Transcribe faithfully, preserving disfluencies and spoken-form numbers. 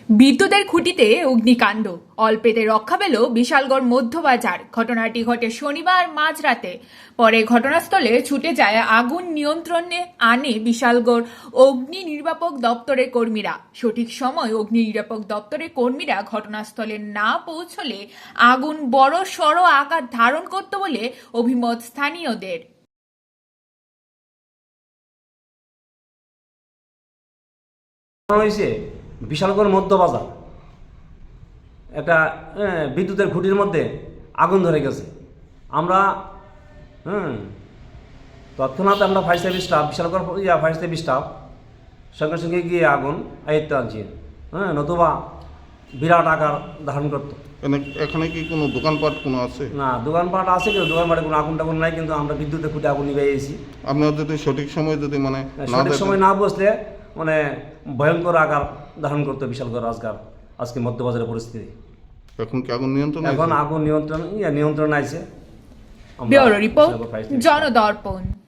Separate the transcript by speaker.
Speaker 1: বিদ্যুতের খুঁটিতে অগ্নিকাণ্ড, অল্পেতে রক্ষা পেল বিশালগড় মধ্যবাজার। ঘটনাটি ঘটে শনিবার মাঝরাতে। পরে ঘটনাস্থলে ছুটে যায় আগুন নিয়ন্ত্রণে আনে বিশালগড় অগ্নি নির্বাপক দপ্তরের কর্মীরা। সঠিক সময় অগ্নি নির্বাপক দপ্তরের কর্মীরা ঘটনাস্থলে না পৌঁছলে আগুন বড় সড় আকার ধারণ করত বলে অভিমত স্থানীয়দের।
Speaker 2: হয়েছে বিশালগড় মধ্যবাজার একটা হ্যাঁ, বিদ্যুতের খুঁটির মধ্যে আগুন ধরে গেছে। আমরা হুম তৎক্ষণাৎ আমরা ফায়ার সার্ভিস স্টাফ বিশালগড় ইয়া ফায়ার সার্ভিস স্টাফ সঙ্গে সঙ্গে গিয়ে আগুন আয়ত্তে আনছি। হ্যাঁ নতুবা বিরাট আকার ধারণ করতো।
Speaker 3: এনে- এখানে কি কোনো দোকানপাট কোনো আছে?
Speaker 2: না দোকানপাট আছে কিন্তু দোকানপাটে কোনো আগুন টাগুন নাই, কিন্তু আমরা বিদ্যুতের খুঁটে আগুন নিয়ে এসেছি।
Speaker 3: আপনারা যদি সঠিক সময় যদি মানে না
Speaker 2: সঠিক
Speaker 3: দেখেন-
Speaker 2: সময় না বসলে মানে ভয়ঙ্কর আকার ধারণ করতো বিশালগড় আজকাল আজকে মধ্যবাজারের পরিস্থিতি।
Speaker 3: এখন কি আগুন নিয়ন্ত্রণ
Speaker 2: এখন
Speaker 3: আছে?
Speaker 2: আগুন নিয়ন্ত্রণ ইয়া নিয়ন্ত্রণ আছে।
Speaker 1: Bureau report, জনদর্পণ।